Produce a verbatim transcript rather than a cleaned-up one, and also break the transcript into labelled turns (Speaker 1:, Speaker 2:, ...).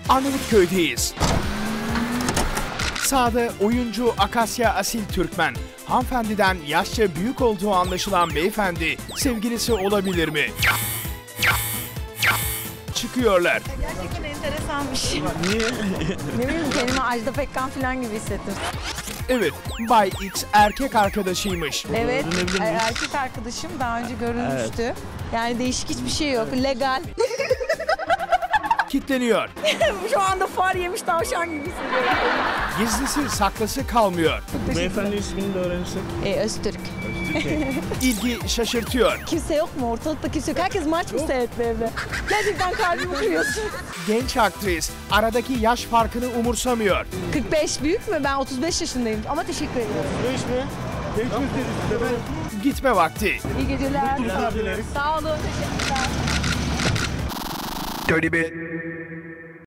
Speaker 1: Arnavutköy'deyiz. Sağda oyuncu Akasya Asil Türkmen. Hanımefendiden yaşça büyük olduğu anlaşılan beyefendi sevgilisi olabilir mi? Çıkıyorlar.
Speaker 2: Gerçekten enteresanmış.
Speaker 3: Niye?
Speaker 2: Ne bileyim, kendimi Ajda Pekkan falan gibi hissettim.
Speaker 1: Evet, Bay X erkek arkadaşıymış.
Speaker 2: Evet,
Speaker 3: Öğrenebilir miyiz?
Speaker 2: erkek arkadaşım daha önce görülmüştü. Yani değişik hiçbir şey yok, legal.
Speaker 1: Kitleniyor.
Speaker 2: Şu anda far yemiş tavşan gibi hissediyorum.
Speaker 1: Gizlisi saklısı kalmıyor.
Speaker 3: Beyefendi ismini de öğrenirsek.
Speaker 2: E, Öztürk.
Speaker 1: İlgi şaşırtıyor.
Speaker 2: Kimse yok mu? Ortalıkta kimse yok. Herkes maç mı seyretti evde? Gerçekten kalbimi kırıyorsun.
Speaker 1: Genç aktris aradaki yaş farkını umursamıyor.
Speaker 2: kırk beş büyük mü? Ben otuz beş yaşındayım ama teşekkür ederim.
Speaker 3: Beş mi? Beş mi dedi size?
Speaker 1: Gitme vakti.
Speaker 2: İyi geceler.
Speaker 3: Mutlu dileriz.
Speaker 2: Sağ olun, teşekkürler.
Speaker 1: Dirty bit.